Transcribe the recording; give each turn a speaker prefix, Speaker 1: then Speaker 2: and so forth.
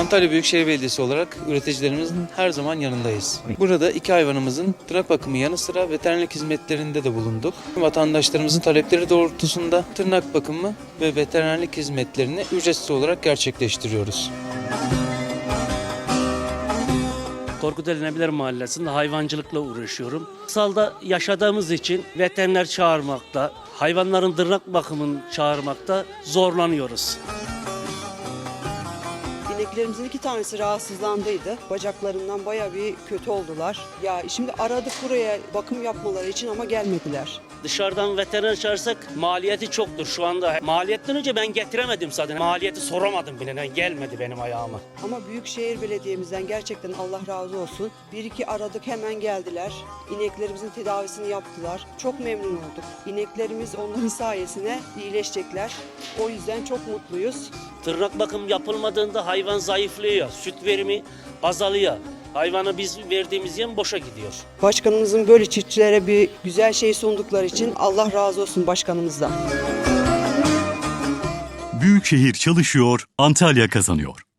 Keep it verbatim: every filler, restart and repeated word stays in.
Speaker 1: Antalya Büyükşehir Belediyesi olarak üreticilerimizin her zaman yanındayız. Burada iki hayvanımızın tırnak bakımı yanı sıra veterinerlik hizmetlerinde de bulunduk. Vatandaşlarımızın talepleri doğrultusunda tırnak bakımı ve veterinerlik hizmetlerini ücretsiz olarak gerçekleştiriyoruz.
Speaker 2: Korkuteli Nebiler Mahallesi'nde hayvancılıkla uğraşıyorum. Kırsalda yaşadığımız için veteriner çağırmakta, hayvanların tırnak bakımını çağırmakta zorlanıyoruz.
Speaker 3: İneklerimizin iki tanesi rahatsızlandıydı. Bacaklarından bayağı bir kötü oldular. Ya şimdi aradık buraya bakım yapmaları için ama gelmediler.
Speaker 2: Dışarıdan veteriner çağırsak maliyeti çoktur şu anda. Maliyetten önce ben getiremedim zaten. Maliyeti soramadım bile. Gelmedi benim ayağıma.
Speaker 3: Ama Büyükşehir Belediye'mizden gerçekten Allah razı olsun. Bir iki aradık hemen geldiler. İneklerimizin tedavisini yaptılar. Çok memnun olduk. İneklerimiz onların sayesinde iyileşecekler. O yüzden çok mutluyuz.
Speaker 2: Tırnak bakım yapılmadığında hayvan zayıflıyor. Süt verimi azalıyor. Hayvana biz verdiğimiz yem boşa gidiyor.
Speaker 3: Başkanımızın böyle çiftçilere bir güzel şey sundukları için Allah razı olsun başkanımızdan.
Speaker 4: Büyükşehir çalışıyor, Antalya kazanıyor.